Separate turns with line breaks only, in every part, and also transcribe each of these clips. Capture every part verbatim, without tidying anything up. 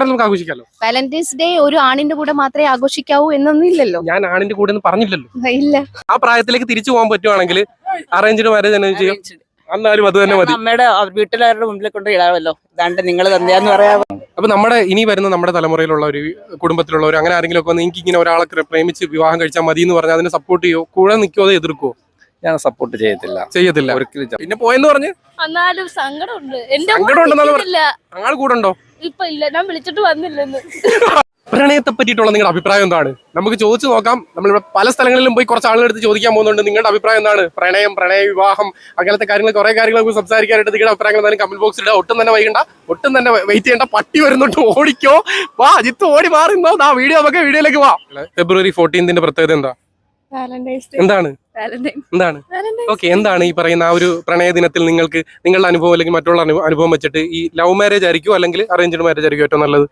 വേണമെങ്കിൽ നമുക്ക് ആഘോഷിക്കാമല്ലോ.
Valentine's day ഒരു ആണിന്റെ കൂടെ മാത്രമേ ആഘോഷിക്കാവൂ എന്നൊന്നും ഇല്ലല്ലോ.
ഞാൻ ആണിന്റെ കൂടെ ഒന്നും പറഞ്ഞില്ലല്ലോ.
ഇല്ല.
ആ പ്രായത്തിലേക്ക് തിരിച്ചു പോകാൻ പറ്റുവാണെങ്കിൽ അറേഞ്ച്ഡ് മാരേജ് തന്നെ ചെയ്യും. എന്നാലും അത് തന്നെ മതി.
അമ്മയുടെ വീട്ടിലാരുടെ മുമ്പിൽ കൊണ്ട് ഇടാമല്ലോ. ഇതാണ്ട് നിങ്ങൾ തന്നെയാന്ന് പറയാമോ.
അപ്പൊ നമ്മുടെ ഇനി വരുന്ന നമ്മുടെ തലമുറയിലുള്ള ഒരു കുടുംബത്തിലുള്ളവർ അങ്ങനെ ആരെങ്കിലും ഒക്കെ വന്ന് എനിക്ക് ഇങ്ങനെ ഒരാളെ പ്രേമിച്ച് വിവാഹം കഴിച്ചാൽ മതി എന്ന് പറഞ്ഞാൽ അതിനെ സപ്പോർട്ട് ചെയ്യോ, കൂടെ നിൽക്കുമോ, അതോ എതിർക്കുവോ?
ഞാൻ സപ്പോർട്ട് ചെയ്യത്തില്ല.
ചെയ്യത്തില്ല
ഒരിക്കലും.
പിന്നെ പോയെന്ന് പറഞ്ഞ്
എന്നാലും സങ്കടമുണ്ട്.
സങ്കടം ഉണ്ടെന്നാണ് ആൾ കൂടെ ഉണ്ടോ?
ഇപ്പൊ ഇല്ല, ഞാൻ വിളിച്ചിട്ട് വന്നില്ലെന്ന്.
പ്രണയത്തെ പറ്റിയിട്ടുള്ള നിങ്ങളുടെ അഭിപ്രായം എന്താണ്? നമുക്ക് ചോദിച്ചു നോക്കാം. നമ്മളിവിടെ പല സ്ഥലങ്ങളിലും പോയി കുറച്ച് ആളുകൾ എടുത്ത് ചോദിക്കാൻ പോകുന്നുണ്ട്. നിങ്ങളുടെ അഭിപ്രായം എന്താണ്? പ്രണയം, പ്രണയ വിവാഹം, അങ്ങനത്തെ കാര്യങ്ങൾ കുറെ കാര്യങ്ങൾ സംസാരിക്കാനായിട്ട് നിങ്ങളുടെ അഭിപ്രായങ്ങൾ എന്തായാലും കമന്റ് ബോക്സിൽ ഇടുക. ഒട്ടും തന്നെ വൈകണ്ട, ഒട്ടും തന്നെ വെയിറ്റ് ചെയ്യേണ്ട. പട്ടി വരുന്നുണ്ട്, ഓടിക്കോ. വാ ജിത്ത്, ഓടി മാറുന്നോ. ആ വീഡിയോ നമുക്ക് വീഡിയോയിലേക്ക് വാ. ഫെബ്രുവരി ഫോർട്ടീൻത്തിന്റെ പ്രത്യേകത എന്താ? എന്താണ് എന്താണ് ഓക്കെ എന്താണ് ഈ പറയുന്ന ആ ഒരു പ്രണയ ദിനത്തിൽ നിങ്ങൾക്ക് നിങ്ങളുടെ അനുഭവം അല്ലെങ്കിൽ മറ്റുള്ള അനുഭവം വെച്ചിട്ട് ഈ ലവ് മാരേജ് ആയിരിക്കും അല്ലെങ്കിൽ അറേഞ്ച്ഡ് മാരേജ് ആയിരിക്കും ഏറ്റവും നല്ലത്?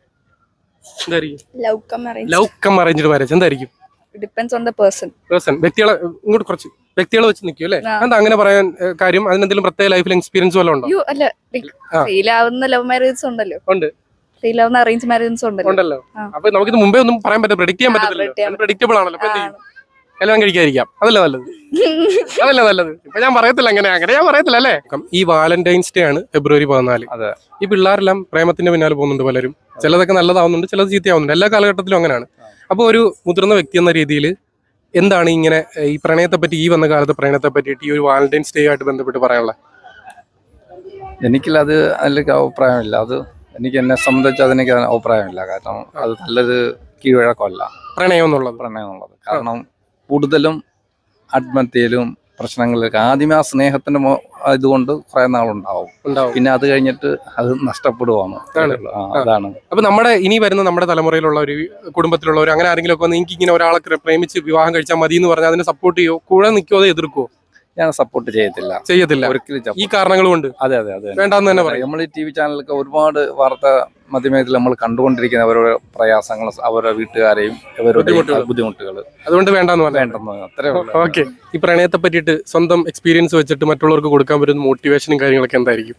ലവ് കം അറേഞ്ച്ഡ് മാരേജ് എന്തായിരിക്കും?
Depends on the person.
Person വ്യക്തികളെ ഇങ്ങോട്ട് കുറച്ച് വ്യക്തികളെ വെച്ച് നിൽക്കും അല്ലേ? എന്താ അങ്ങനെ പറയാൻ കാര്യം? അതിനെന്തെങ്കിലും പ്രത്യേക ലൈഫിൽ എക്സ്പീരിയൻസ് വല്ലതും ഉണ്ടോ?
അല്ല, ഫെയിൽ ആവുന്ന ലവ് മാരേജ് ഉണ്ടല്ലോ.
ഉണ്ട്.
ഫെയിൽ ആവുന്ന അറേഞ്ച് മാരേജ്
ഉണ്ടല്ലോ. അപ്പൊ നമുക്കിത് മുമ്പേ ഒന്നും പറയാൻ പറ്റില്ല, പ്രെഡിക്റ്റ് ചെയ്യാൻ പറ്റത്തില്ല. പ്രെഡിക്റ്റബിൾ ആണല്ലോ. എല്ലാം കഴിക്കാതിരിക്കാം, അതല്ലേ നല്ലത്? അതല്ലേ നല്ലത്? ഇപ്പൊ ഞാൻ പറയത്തില്ല, അങ്ങനെ അങ്ങനെ ഞാൻ പറയത്തില്ല അല്ലേ. ഈ വാലന്റൈൻസ് ഡേ ആണ് ഫെബ്രുവരി പതിനാല്.
അതെ.
ഈ പിള്ളേരെല്ലാം പ്രേമത്തിന്റെ പിന്നാലെ പോകുന്നുണ്ട് പലരും. ചിലതൊക്കെ നല്ലതാവുന്നുണ്ട്, ചിലത് ചീത്തയാവുന്നുണ്ട്. എല്ലാ കാലഘട്ടത്തിലും അങ്ങനെയാണ്. അപ്പോൾ ഒരു മുതിർന്ന വ്യക്തി എന്ന രീതിയിൽ എന്താണ് ഇങ്ങനെ ഈ പ്രണയത്തെ പറ്റി, ഈ വന്ന കാലത്ത് പ്രണയത്തെ പറ്റിയിട്ട് ഈ ഒരു വാലന്റൈൻസ് ഡേ ആയിട്ട് ബന്ധപ്പെട്ട് പറയാനുള്ളത്?
എനിക്കില്ല, അത് അതിലേക്ക് അഭിപ്രായമില്ല. അത് എനിക്ക് എന്നെ സംബന്ധിച്ച് അതെനിക്ക് അഭിപ്രായമില്ല. കാരണം അത് നല്ലൊരു കീഴ്വഴക്കമല്ല പ്രണയം എന്നുള്ളത്. പ്രണയം എന്നുള്ളത് കാരണം കൂടുതലും ആത്മഹത്യയിലും പ്രശ്നങ്ങളിലൊക്കെ ആദ്യമേ ആ സ്നേഹത്തിന്റെ ഇതുകൊണ്ട് കുറെ നാളുണ്ടാവും. പിന്നെ അത് കഴിഞ്ഞിട്ട് അത് നഷ്ടപ്പെടുവാണ്. അതാണ്.
അപ്പൊ നമ്മുടെ ഇനി വരുന്ന നമ്മുടെ തലമുറയിലുള്ള ഒരു കുടുംബത്തിലുള്ളവർ അങ്ങനെ ആരെങ്കിലും ഒക്കെ വന്ന് എനിക്ക് ഇങ്ങനെ ഒരാളെ പ്രേമിച്ച് വിവാഹം കഴിച്ചാൽ മതി എന്ന് പറഞ്ഞാൽ അതിനെ സപ്പോർട്ട് ചെയ്യോ, കൂടെ നിൽക്കുമോ, അതോ എതിർക്കുവോ?
ഞാൻ സപ്പോർട്ട് ചെയ്യത്തില്ല.
ചെയ്യത്തില്ല
ഒരിക്കലും.
ഈ കാരണങ്ങൾ കൊണ്ട്.
അതെ അതെ അതെ
വേണ്ടെന്ന് തന്നെ പറയും.
നമ്മൾ ഈ ടി വി ചാനലൊക്കെ ഒരുപാട് വാർത്ത മാധ്യമത്തിൽ നമ്മൾ കണ്ടുകൊണ്ടിരിക്കുന്ന അവരുടെ പ്രയാസങ്ങൾ, അവരുടെ വീട്ടുകാരെയും അവരുടെ ബുദ്ധിമുട്ടുകൾ.
അതുകൊണ്ട് വേണ്ടെന്ന്
വേണ്ടെന്ന് അത്രേ ഉള്ളൂ.
ഓക്കെ. ഈ പ്രണയത്തെ പറ്റിയിട്ട് സ്വന്തം എക്സ്പീരിയൻസ് വെച്ചിട്ട് മറ്റുള്ളവർക്ക് കൊടുക്കാൻ പറ്റുന്ന മോട്ടിവേഷനും കാര്യങ്ങളൊക്കെ എന്തായിരിക്കും?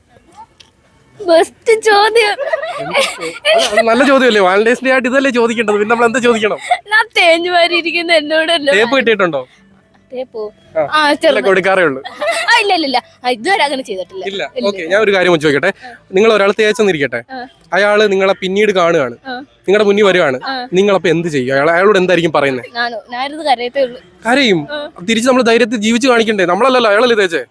ചോദ്യം
നല്ല ചോദ്യമല്ലേ? വാലന്റൈൻസ് ഡേ ആയിട്ട് ഇതല്ലേ ചോദിക്കേണ്ടത്, പിന്നെ നമ്മൾ എന്താ ചോദിക്കണം?
ഞാൻ തേഞ്ഞു മാറി ഇരിക്കുന്ന എന്നോടല്ലോ.
തേപ്പ് കിട്ടിയിട്ടുണ്ടോ? കൊടുക്കാറേ ഉള്ളൂ.
ഇല്ല ഇല്ല ഇതുവരെ അങ്ങനെ ചെയ്തിട്ടില്ല.
ഇല്ല. ഓക്കെ, ഞാൻ ഒരു കാര്യം ചോദിക്കട്ടെ. നിങ്ങൾ ഒരാൾ തേച്ചെന്നിരിക്കട്ടെ, അയാള് നിങ്ങളെ പിന്നീട് കാണുകയാണ്, നിങ്ങളുടെ മുന്നിൽ വരുവാണ്, നിങ്ങളപ്പോ എന്ത് ചെയ്യും? അയാൾ അയാളോട് എന്തായിരിക്കും പറയുന്നത്? കരയും. തിരിച്ച് നമ്മൾ ധൈര്യത്തിൽ ജീവിച്ച് കാണിക്കണ്ടേ? നമ്മളല്ലല്ലോ, അയാളല്ലേ തേച്ചേ.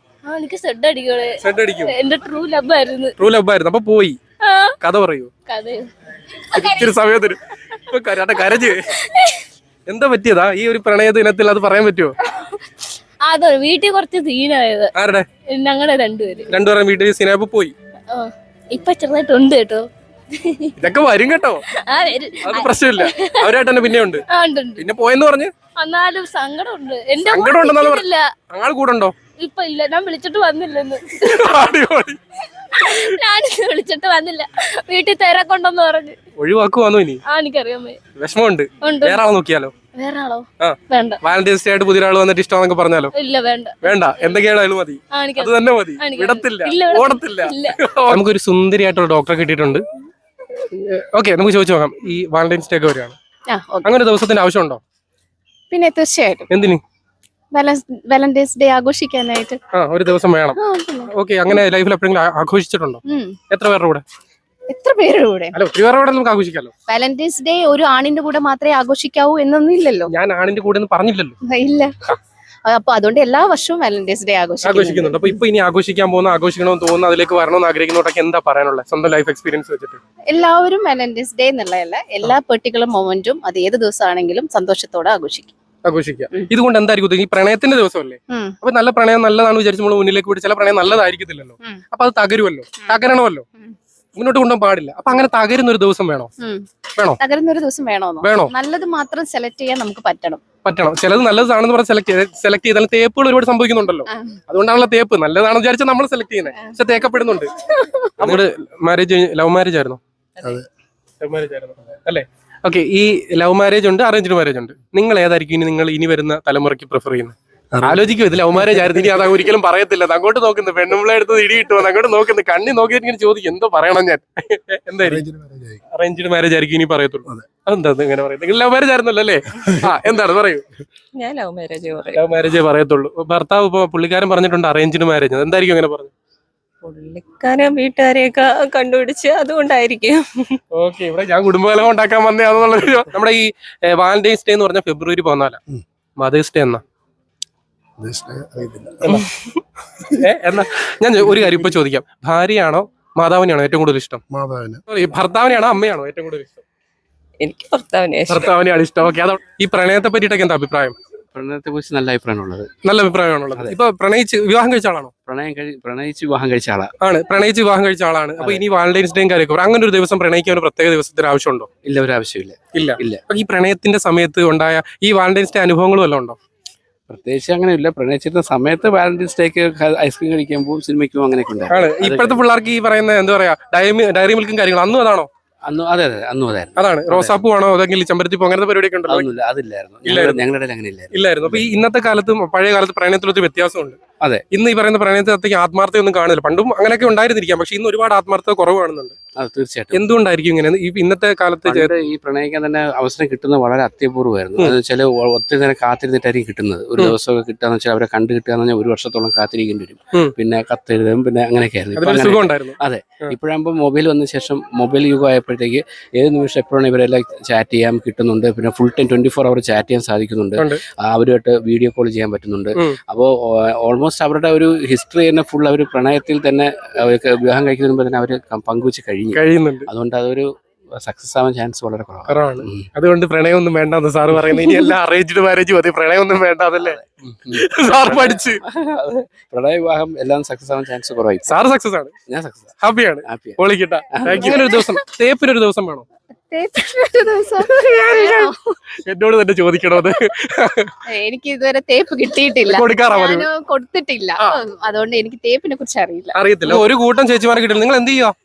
ട്രൂ ലവ് ആയിരുന്നു. അപ്പൊ പോയി കഥ പറയൂ. ഇത്തിരി സമയത്തിന് കരഞ്ഞ് എന്താ പറ്റിയതാ ഈ ഒരു പ്രണയ ദിനത്തിൽ? അത് പറയാൻ പറ്റുമോ?
അതോ വീട്ടിൽ കുറച്ച് സീനായത്.
ആരുടെ?
ഞങ്ങളുടെ രണ്ടുപേര്
രണ്ടുപേരും വീട്ടിൽ സീനായപ്പോ പോയി.
ഇപ്പൊ ചെറുതായിട്ടുണ്ട് കേട്ടോ.
ഇതൊക്കെ വരും കേട്ടോ, അത് പ്രശ്നമില്ല. അവരായിട്ട് തന്നെ പിന്നെ ഉണ്ട്. പിന്നെ പോയെന്ന് പറഞ്ഞ്
എന്നാലും സങ്കടമുണ്ട്.
സങ്കടം ഉണ്ടെന്നാണ്. ആൾ കൂടെ ഉണ്ടോ?
ഇപ്പൊ ഇല്ല, ഞാൻ വിളിച്ചിട്ട് വന്നില്ലെന്ന്. ഞാൻ വിളിച്ചിട്ട് വന്നില്ല, വീട്ടിൽ തിരക്കൊണ്ടെന്ന് പറഞ്ഞു.
ഒഴിവാക്കുവാന്നോ ഇനി?
ആ എനിക്കറിയാം,
വിഷമമുണ്ട്. വേറെ ആളെ നോക്കിയാലോ?
വേറെ ആളോ? വേണ്ട.
വാലന്റൈൻസ് ഡേ ആയിട്ട് പുതിയ ആൾ വന്നിട്ട് ഇഷ്ടമാണെന്നൊക്കെ പറഞ്ഞാലോ?
ഇല്ല, വേണ്ട
വേണ്ട. എന്തൊക്കെയാണോ മതി, അത് തന്നെ മതി. വിടത്തില്ല, ഓടത്തില്ല. നമുക്കൊരു സുന്ദരിയായിട്ടുള്ള ഡോക്ടറെ കിട്ടിയിട്ടുണ്ട്. ഓക്കെ, നമുക്ക് ചോദിച്ചു നോക്കാം. ഈ വാലന്റൈൻസ് ഡേ ഒക്കെ വരികയാണ്, അങ്ങനെ ദിവസത്തിന്റെ ആവശ്യമുണ്ടോ?
പിന്നെ തീർച്ചയായിട്ടും.
എന്തിന്?
വാലന്റൈൻസ് ഡേ ആഘോഷിക്കാനായിട്ട്
ഒരു ദിവസം വേണം. ഓക്കെ, അങ്ങനെ ലൈഫിൽ എപ്പോഴെങ്കിലും ആഘോഷിച്ചിട്ടുണ്ടോ? എത്ര പേരുടെ കൂടെ?
എത്ര പേരുടെ കൂടെ?
അല്ല, ഒത്തിരി പേരുടെ കൂടെ നമുക്ക് ആഘോഷിക്കാമല്ലോ.
വാലന്റൈൻസ് ഡേ ഒരു ആണിന്റെ കൂടെ മാത്രമേ ആഘോഷിക്കാവൂ എന്നൊന്നും ഇല്ലല്ലോ.
ഞാൻ ആണിന്റെ കൂടെ പറഞ്ഞില്ലല്ലോ.
ഇല്ല. അപ്പൊ അതുകൊണ്ട് എല്ലാ വർഷവും വാലന്റൈൻസ് ഡേ
ആഘോഷിക്കുന്നുണ്ട്. അപ്പൊ ഇപ്പൊ ഇനി ആഘോഷിക്കാൻ പോകുന്ന, ആഘോഷിക്കണമെന്ന് തോന്നുന്നു, അതിലേക്ക് വരണമെന്ന് ആഗ്രഹിക്കുന്നവരൊക്കെ എന്താ പറയാനുള്ളത് സ്വന്തം ലൈഫ് എക്സ്പീരിയൻസ് വെച്ചിട്ട്?
എല്ലാവരും വാലന്റൈൻസ് ഡേ എന്നുള്ളതല്ല, എല്ലാ പെർട്ടിക്കുലർ മൊമെന്റും അത് ഏത് ദിവസമാണെങ്കിലും സന്തോഷത്തോടെ ആഘോഷിക്കും.
ആഘോഷിക്കുക. ഇതുകൊണ്ട് എന്തായിരിക്കും? ഈ പ്രണയത്തിന്റെ ദിവസമല്ലേ? അപ്പൊ നല്ല പ്രണയം നല്ലതാണ് വിചാരിച്ച് നമ്മൾ മുന്നിലേക്ക് പോയിട്ട് ചില പ്രണയം നല്ലതായിരിക്കത്തില്ലല്ലോ. അപ്പൊ അത് തകരുമല്ലോ, തകരണമല്ലോ, മുന്നോട്ട് കൊണ്ടുപോകാൻ പാടില്ല. അപ്പൊ അങ്ങനെ തകരുന്ന ഒരു ദിവസം വേണോ? വേണോ?
തകരുന്ന ഒരു ദിവസം വേണോ?
വേണോ?
നല്ലത് മാത്രം സെലക്ട് ചെയ്യാൻ നമുക്ക് പറ്റണം.
പറ്റണം. ചിലത് നല്ലതാണെന്ന് പറഞ്ഞാൽ സെലക്ട് സെലക്ട് ചെയ്താൽ തേപ്പുകൾ ഒരുപാട് സംഭവിക്കുന്നുണ്ടല്ലോ. അതുകൊണ്ടാണല്ലോ തേപ്പ് നല്ലതാണെന്ന് വിചാരിച്ചാൽ നമ്മൾ സെലക്ട് ചെയ്യുന്നത്, പക്ഷെ തേക്കപ്പെടുന്നുണ്ട്. നമ്മുടെ മാരേജ് ലവ് മാരേജ് ആയിരുന്നോ? ലവ് മാരേജ് ആയിരുന്നു അല്ലേ? ഓക്കെ, ഈ ലവ് മാരേജ് ഉണ്ട്, അറേഞ്ച്ഡ് മാരേജ് ഉണ്ട്. നിങ്ങൾ ഏതായിരിക്കും ഇനി നിങ്ങൾ ഇനി വരുന്ന തലമുറയ്ക്ക് പ്രിഫർ ചെയ്യുന്നത്? ആലോചിക്കും ഇത് ലവ് മാരേജ് ആയിരുന്നു, ഇനി അത് ഒരിക്കലും പറയത്തില്ല. അങ്ങോട്ട് നോക്കുന്നു, പെണ്ണുമ്പിളെ എടുത്ത് ഇടി കിട്ടുമോ, അങ്ങോട്ട് നോക്കുന്നു, കണ്ണി നോക്കിയിട്ട് ഇങ്ങനെ ചോദിക്കും എന്തോ പറയണം ഞാൻ. എന്തായിരിക്കും? അറേഞ്ച്ഡ് മാരേജ് ആയിരിക്കും ഇനി പറയത്തുള്ളൂ. അതെന്താ ഇങ്ങനെ പറയുന്നത്? നിങ്ങൾ ലവ് മാരേജ് ആയിരുന്നല്ലോ അല്ലേ? ആ എന്താണ് പറയൂ.
ഞാൻ ലവ് മാരേജ്
ലവ് മാരേജേ പറയത്തുള്ളൂ. ഭർത്താവ് ഇപ്പൊ പുള്ളിക്കാരൻ പറഞ്ഞിട്ടുണ്ട് അറേഞ്ച്ഡ് മാരേജ്, എന്തായിരിക്കും അങ്ങനെ പറഞ്ഞു?
പുള്ളിക്കാരൻ വീട്ടുകാരെയൊക്കെ കണ്ടുപിടിച്ച് അതുകൊണ്ടായിരിക്കും.
ഓക്കെ, ഇവിടെ ഞാൻ കുടുംബകലം ഉണ്ടാക്കാൻ വന്നതാണെന്നുള്ളത്. നമ്മുടെ ഈ വാലന്റൈൻസ് ഡേ എന്ന് പറഞ്ഞാൽ ഫെബ്രുവരി പതിനാലാ. മദേഴ്സ് ഡേ എന്നാ? എന്നാ ഞാൻ ഒരു കാര്യം ഇപ്പൊ ചോദിക്കാം, ഭാര്യയാണോ മാതാവിനെയാണോ ഏറ്റവും കൂടുതൽ ഇഷ്ടം? മാതാവിനെ. ഭർത്താവിനെയാണോ അമ്മയാണോ ഏറ്റവും കൂടുതൽ ഇഷ്ടം?
എനിക്ക് ഭർത്താവിനെ
ഭർത്താവിനെയാണ് ഇഷ്ടം. ഓക്കെ, അതോ ഈ പ്രണയത്തെ പറ്റിയിട്ടൊക്കെ എന്താ അഭിപ്രായം?
പ്രണയത്തെ കുറിച്ച് നല്ല അഭിപ്രായമാണുള്ളത്.
നല്ല അഭിപ്രായമാണുള്ളത്. ഇപ്പൊ പ്രണയിച്ച് വിവാഹം കഴിച്ച ആളാണോ?
പ്രണയം കഴി പ്രണയിച്ച് വിവാഹം കഴിച്ച ആളാണ്.
ആണ്, പ്രണയിച്ച് വിവാഹം കഴിച്ച ആളാണ്. അപ്പൊ ഇനി വാലന്റൈൻസ് ഡേയും കാര്യമൊക്കെ അങ്ങനെ ഒരു ദിവസം പ്രണയിക്കാൻ ഒരു പ്രത്യേക ദിവസത്തിന്റെ ആവശ്യമുണ്ടോ?
ഇല്ല, ഒരു ആവശ്യമില്ല.
ഇല്ല
ഇല്ല.
അപ്പൊ ഈ പ്രണയത്തിന്റെ സമയത്ത് ഉണ്ടായ ഈ വാലന്റൈൻസ് ഡേ അനുഭവങ്ങളും വല്ലതും ഉണ്ടോ?
പ്രത്യേകിച്ച് അങ്ങനെ ഇല്ല. പ്രണയിച്ചിരുന്ന സമയത്ത് വാലന്റൈൻസ് ഡേക്ക് ഐസ്ക്രീം കഴിക്കുമ്പോൾ സിനിമയ്ക്കും അങ്ങനെയൊക്കെ ഉണ്ട്.
ആണ് ഇപ്പോഴത്തെ പിള്ളേർക്ക് ഈ പറയുന്ന എന്താ പറയാ ഡയറി ഡയറി മിൽക്കും കാര്യങ്ങളും അന്നും അതാണോ?
അന്ന് അതെ അതെ അന്നും അതായിരുന്നു.
അതാണ് റോസാപ്പൂ ആണോ അതെങ്കിൽ ചെമ്പരത്തിപ്പൂ അങ്ങനത്തെ പരിപാടിയൊക്കെ ഉണ്ടല്ലോ?
അതൊന്നുമില്ല, അതില്ലായിരുന്നു. ഞങ്ങളുടെ അങ്ങനെ ഇല്ലായിരുന്നു.
ഇല്ലായിരുന്നു. അപ്പൊ ഈ ഇന്നത്തെ കാലത്തും പഴയ കാലത്ത് പ്രണയത്തിലൊരു വ്യത്യാസമുണ്ട്.
അതെ,
ഇന്ന് ഈ പറയുന്ന പ്രണയത്തിനകത്തേക്ക് ആത്മാർത്ഥയൊന്നും കാണില്ല. പണ്ടും അങ്ങനെയൊക്കെ ഉണ്ടായിരുന്നിരിക്കാം, പക്ഷെ ഇന്ന് ഒരുപാട് ആത്മാർത്ഥത കുറവ് കാണുന്നുണ്ട്.
അത് തീർച്ചയായിട്ടും.
എന്തുകൊണ്ടായിരിക്കും ഇങ്ങനെ? ഈ ഇന്നത്തെ കാലത്ത്
ഈ പ്രണയിക്കാൻ തന്നെ അവസരം കിട്ടുന്നത് വളരെ അത്യപൂർവമായിരുന്നു. അത് വെച്ചാൽ ഒത്തിരി നേരം കാത്തിരുന്നിട്ടായിരിക്കും കിട്ടുന്നത്. ഒരു ദിവസമൊക്കെ കിട്ടുകയെന്ന് വെച്ചാൽ അവരെ കണ്ടു കിട്ടുക എന്ന് പറഞ്ഞാൽ ഒരു വർഷത്തോളം കാത്തിരിക്കേണ്ടി വരും. പിന്നെ കത്തെഴുതും, പിന്നെ അങ്ങനെയൊക്കെ ആയിരുന്നു. അതെ, ഇപ്പോഴാകുമ്പോൾ മൊബൈൽ വന്ന ശേഷം മൊബൈൽ യുഗം ആയപ്പോഴത്തേക്ക് ഏത് നിമിഷം എപ്പോഴാണ് ഇവരെല്ലാം ചാറ്റ് ചെയ്യാൻ കിട്ടുന്നുണ്ട്. പിന്നെ full time twenty four hour chat ചെയ്യാൻ സാധിക്കുന്നുണ്ട്. അവരുമായിട്ട് വീഡിയോ കോൾ ചെയ്യാൻ പറ്റുന്നുണ്ട്. അപ്പോൾ ഓൾമോസ്റ്റ് അവരുടെ ഒരു ഹിസ്റ്ററി തന്നെ ഫുൾ അവർ പ്രണയത്തിൽ തന്നെ അവർക്ക് വിവാഹം കഴിക്കുന്നതിന് മുമ്പ് തന്നെ അവർ പങ്കുവെച്ച് കഴിഞ്ഞു കഴിയുന്നുണ്ട്. അതുകൊണ്ട് അതൊരു സക്സസ് ആവാൻ ചാൻസ് വളരെ കുറവാണ്.
അതുകൊണ്ട് പ്രണയമൊന്നും വേണ്ടെന്ന് സാറ് പറയുന്നത്. ഇനി എല്ലാം അറേഞ്ച്ഡ് മാരേജ് മതി, പ്രണയമൊന്നും വേണ്ട, അതല്ലേ സാർ പഠിച്ച്?
പ്രണയ വിവാഹം എല്ലാം സക്സസ് ആവാൻ ചാൻസ് കുറവായി.
സാറ് സക്സസ് ആണ്,
ഞാൻ സക്സസ്
ഹാപ്പിയാണ്. പൊളിക്കട്ടെ. ഇങ്ങനെ ഒരു ദിവസം തേപ്പിനൊരു ദിവസം വേണോ? എന്നോട് തന്നെ ചോദിക്കണോ അത്?
എനിക്ക് ഇതുവരെ തേപ്പ് കിട്ടിയിട്ടില്ല,
കൊടുക്കാറാ മതി.
ഞാൻ കൊടുത്തിട്ടില്ല. അതുകൊണ്ട് എനിക്ക് തേപ്പിനെ കുറിച്ച് അറിയില്ല.
അറിയത്തില്ല. ഒരു കൂട്ടം ചേച്ചിമാരെ കിട്ടില്ല. നിങ്ങൾ എന്ത് ചെയ്യുക?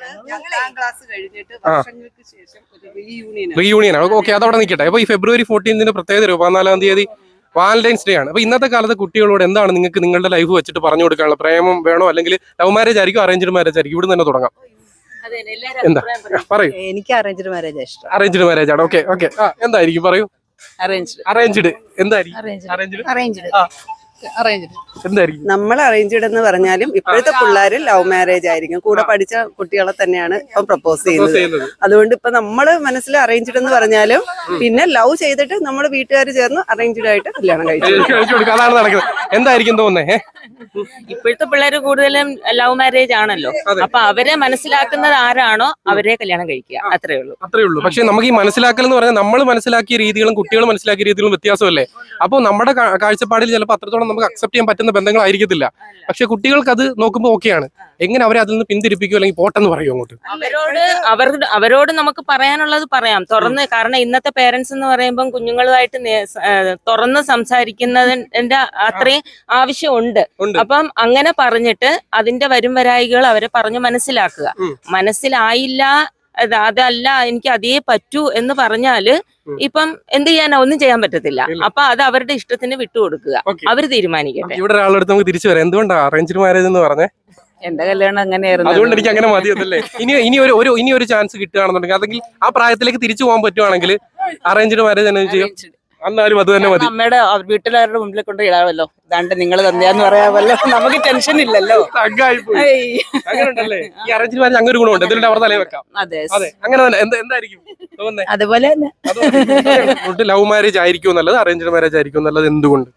റീയൂണിയൻ. ഓക്കെ, അതവിടെ നിൽക്കട്ടെ. അപ്പൊ ഈ ഫെബ്രുവരി ഫോർട്ടീൻത്തിന് പ്രത്യേകത പതിനാലാം തീയതി വാലന്റൈൻസ് ഡേ ആണ്. അപ്പൊ ഇന്നത്തെ കാലത്ത് കുട്ടികളോട് എന്താണ് നിങ്ങൾക്ക് നിങ്ങളുടെ ലൈഫ് വെച്ചിട്ട് പറഞ്ഞു കൊടുക്കാനുള്ള? പ്രേമം വേണോ, അല്ലെങ്കിൽ ലവ് മാരേജ് ആയിരിക്കും അറേഞ്ച്ഡ് മാരേജ് ആയിരിക്കും? ഇവിടെ തന്നെ തുടങ്ങാം. എന്താ പറയൂ.
എനിക്ക് അറേഞ്ച്ഡ് മാരേജ് ഇഷ്ടം.
അറേഞ്ച്ഡ് മാരേജ് ആണ്. ഓക്കെ ഓക്കെ ആ എന്തായിരിക്കും പറയൂ.
അറേഞ്ച്ഡ്
അറേഞ്ച്ഡ് എന്തായിരിക്കും? അറേഞ്ച്ഡ്
അറേഞ്ച്ഡ് അറേഞ്ച്ഡ്
എന്തായിരിക്കും?
നമ്മൾ അറേഞ്ച്ഡ് എന്ന് പറഞ്ഞാലും ഇപ്പോഴത്തെ പിള്ളേര് ലവ് മാരേജ് ആയിരിക്കും. കൂടെ പഠിച്ച കുട്ടികളെ തന്നെയാണ് ഇപ്പം പ്രപ്പോസ് ചെയ്യുന്നത്. അതുകൊണ്ട് ഇപ്പൊ നമ്മള് മനസ്സിൽ അറേഞ്ച്ഡ് എന്ന് പറഞ്ഞാലും പിന്നെ ലവ് ചെയ്തിട്ട് നമ്മൾ വീട്ടുകാർ ചേർന്ന് അറേഞ്ച്ഡ് ആയിട്ട് കല്യാണം കഴിച്ചു.
അതാണ് നടക്കുന്നത്. എന്തായിരിക്കും തോന്നുന്നേ?
ഇപ്പോഴത്തെ പിള്ളേർ കൂടുതലും ലവ് മാരേജ് ആണല്ലോ. അപ്പൊ അവരെ മനസ്സിലാക്കുന്നത് ആരാണോ അവരെ കല്യാണം കഴിക്കുക, അത്രേ ഉള്ളൂ.
അത്രേ ഉള്ളൂ. പക്ഷെ നമുക്ക് ഈ മനസ്സിലാക്കൽ എന്ന് പറഞ്ഞാൽ നമ്മൾ മനസ്സിലാക്കിയ രീതികളും കുട്ടികൾ മനസ്സിലാക്കിയ രീതികളും വ്യത്യാസമല്ലേ? അപ്പോൾ നമ്മുടെ കാഴ്ചപ്പാടിൽ ചിലപ്പോൾ അത്രത്തോളം നമുക്ക് അക്സെപ്റ്റ് ചെയ്യാൻ പറ്റുന്ന ബന്ധങ്ങളായിരിക്കത്തില്ല. പക്ഷെ കുട്ടികൾക്ക് അത് നോക്കുമ്പോൾ ഓക്കെയാണ്. എങ്ങനെ അവരെ അതിൽ നിന്ന് പിന്തിരിപ്പിക്കും, അല്ലെങ്കിൽ പോട്ടെന്ന് പറയും അങ്ങോട്ട്?
അവരോട് അവർ അവരോട് നമുക്ക് പറയാനുള്ളത് പറയാം തുറന്ന്. കാരണം ഇന്നത്തെ പേരൻസ് എന്ന് പറയുമ്പോൾ കുഞ്ഞുങ്ങളുമായിട്ട് തുറന്ന് സംസാരിക്കുന്നതിന്റെ അത്രയും ആവശ്യമുണ്ട്. അപ്പം അങ്ങനെ പറഞ്ഞിട്ട് അതിന്റെ വരും വരായികൾ അവരെ പറഞ്ഞു മനസ്സിലാക്കുക. മനസ്സിലായില്ല, അതല്ല എനിക്ക് അതേ പറ്റൂ എന്ന് പറഞ്ഞാല് ഇപ്പം എന്ത് ചെയ്യാനാ? ഒന്നും ചെയ്യാൻ പറ്റത്തില്ല. അപ്പൊ അത് അവരുടെ ഇഷ്ടത്തിന് വിട്ടുകൊടുക്കുക, അവര് തീരുമാനിക്കട്ടെ.
ഇവിടെ ഒരാളെടുത്ത് നമുക്ക് തിരിച്ചു വരാം. എന്തുകൊണ്ടാണ് അറേഞ്ച്ഡ് മാരേജ് എന്ന് പറഞ്ഞേ?
എന്റെ കല്യാണം അങ്ങനെയായിരുന്നു,
അതുകൊണ്ട് എനിക്ക് അങ്ങനെ മതിയതല്ലേ. ഇനി ഇനി ഒരു ഒരു ഇനി ഒരു ചാൻസ് കിട്ടുകയാണെന്നുണ്ടെങ്കിൽ, അല്ലെങ്കിൽ ആ പ്രായത്തിലേക്ക് തിരിച്ചു പോകാൻ പറ്റുവാണെങ്കിൽ അറേഞ്ച്ഡ് മാരേജ് തന്നെ ചെയ്യും. എന്നാലും അത് തന്നെ മതി.
അമ്മയുടെ വീട്ടിലാരുടെ മുമ്പിൽ കൊണ്ട് ഇടാമല്ലോ, ഇതാണ്ട് നിങ്ങൾ തന്നെയാന്ന് പറയാമല്ലോ, നമുക്ക് ടെൻഷൻ ഇല്ലല്ലോ.
അങ്ങനെയുണ്ടല്ലേ? ഈ അറേഞ്ച്ഡ് മാരേജ് അങ്ങനെ ഒരു ഗുണമുണ്ട്. എന്തിനാ അവർ തലയിൽ വെക്കാം?
അതെ
അതെ, അങ്ങനെ തന്നെ. എന്തായിരിക്കും തോന്നുന്നത്?
അതുപോലെ
തന്നെ ലവ് മാരേജ് ആയിരിക്കും നല്ലത്, അറേഞ്ച്ഡ് മാരേജ് ആയിരിക്കും നല്ലത്? എന്തുകൊണ്ട്?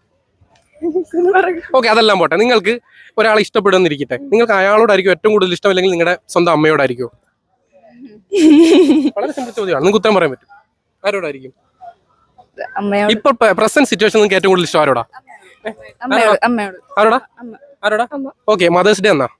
ഓക്കെ, അതെല്ലാം പോട്ടെ. നിങ്ങൾക്ക് ഒരാളെ ഇഷ്ടപ്പെടുന്നിരിക്കട്ടെ, നിങ്ങൾക്ക് അയാളോടായിരിക്കും ഏറ്റവും കൂടുതൽ ഇഷ്ടം, അല്ലെങ്കിൽ നിങ്ങളുടെ സ്വന്തം അമ്മയോടായിരിക്കും? വളരെ സിമ്പിൾ ചോദ്യമാണ്, നിങ്ങൾക്ക് ഉത്തരം പറയാൻ പറ്റും. ആരോടായിരിക്കും ഇപ്പൊ പ്രസന്റ് സിറ്റുവേഷൻ നിങ്ങൾക്ക് ഏറ്റവും കൂടുതൽ ഇഷ്ടം? ആരോടാ? ആരോടാ? ആരോടാ? ഓക്കെ, മദേഴ്സ് ഡേ എന്നാ?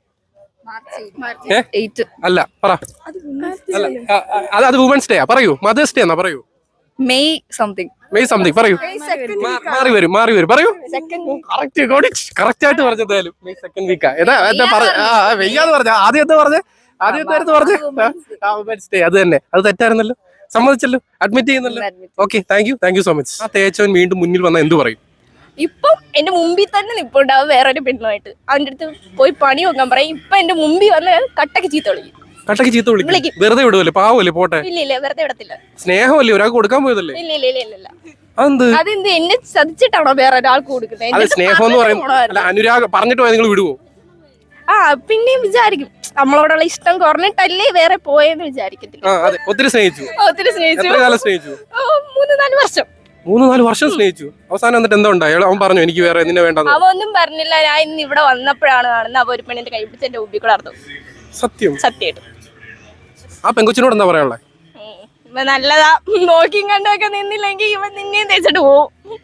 അല്ല, പറ. അത് അത് വുമൻസ് ഡേ. പറയൂ, മദേഴ്സ് ഡേ എന്നാ? പറയൂ.
മെയ് സംതിങ്
മെയ് സംതിങ് പറയൂ. മാറി വരും മാറി വരും പറയൂ. കറക്റ്റ് ആയിട്ട് പറഞ്ഞത് മെയ് സെക്കൻഡ് വീക്കാ. ഏതാ വെയ്യാന്ന് പറഞ്ഞ ആദ്യം എന്താ പറഞ്ഞ ആദ്യത്തെ അടുത്ത് പറഞ്ഞ വുമൻസ് ഡേ. അത് തന്നെ, അത് തെറ്റായിരുന്നല്ലോ. സമ്മതിച്ചല്ലോ, അഡ്മിറ്റ് ചെയ്യുന്നല്ലോ. Okay, thank you thank you so much. ആ തേച്ചവൻ വീണ്ടും മുന്നിൽ വന്ന എന്ത് പറയും?
ഇപ്പം എന്റെ മുമ്പിൽ തന്നെ നിപ്പുണ്ടാവും വേറൊരു പെണ്ണുമായിട്ട്. അവന്റെ അടുത്ത് പോയി പണി നോക്കാൻ പറയും. ഇപ്പൊ എന്റെ മുമ്പിൽ വന്ന് കട്ടക്ക് ചീത്ത വിളിക്കും.
കട്ടക്ക് ചീത്ത വിളിക്കും.
വിളിക്കും.
വെറുതെ വിടുവല്ലേ? പാവല്ലേ? പോട്ടെ.
ഇല്ല ഇല്ല വെറുതെ വിടത്തില്ല.
സ്നേഹമല്ലേ? ഒരാൾക്ക് കൊടുക്കാൻ പോയതല്ലേ?
ഇല്ല ഇല്ല ഇല്ല ഇല്ല ഇല്ല.
അതെന്ത്?
അതെന്ത് എന്നെ ചതിച്ചിട്ടാണോ വേറെ ഒരാൾക്ക് കൊടുക്കുന്നത്?
അത് സ്നേഹം എന്ന് പറയുന്നത് അല്ല, അനുരാഗ് പറഞ്ഞിട്ട് പോയാൽ നിങ്ങൾ വിടുവോ?
ആ പിന്നെയും വിചാരിക്കും നമ്മളോടുള്ള ഇഷ്ടം കുറഞ്ഞിട്ടല്ലേ വേറെ പോയെന്ന് വിചാരിക്കത്തില്ല.
ആ അതെ. ഒത്തിരി സ്നേഹിച്ചു.
ഒത്തിരി സ്നേഹിച്ചു.
എത്ര കാലം സ്നേഹിച്ചു?
ഓ, മൂന്ന് നാല് വർഷം.
മൂന്ന് നാല് വർഷം സ്നേഹിച്ചു. അവസാനം എന്നിട്ട് എന്താ ഉണ്ടായി? അവൻ പറഞ്ഞു എനിക്ക് വേറെ നിന്നെ വേണ്ടെന്ന്.
അവ ഒന്നും പറഞ്ഞില്ല. ഞാൻ ഇന്ന് ഇവിടെ വന്നപ്പോഴാണ് കാണുന്നത്. അവ ഒരു പെണ്ണിന്റെ കൈ പിടിച്ച് എന്റെ ഉബി കൂടെ നടന്നു.
സത്യം?
സത്യമായിട്ട്.
ആ പെങ്കൊച്ചിനോട് എന്താ പറയാനുള്ളത്?
ഇവ നല്ലതാ. നോക്കിയും കണ്ടൊക്കെ നിന്നില്ലെങ്കിൽ ഇവൻ നിന്നെയും തേച്ചിട്ട് പോവും.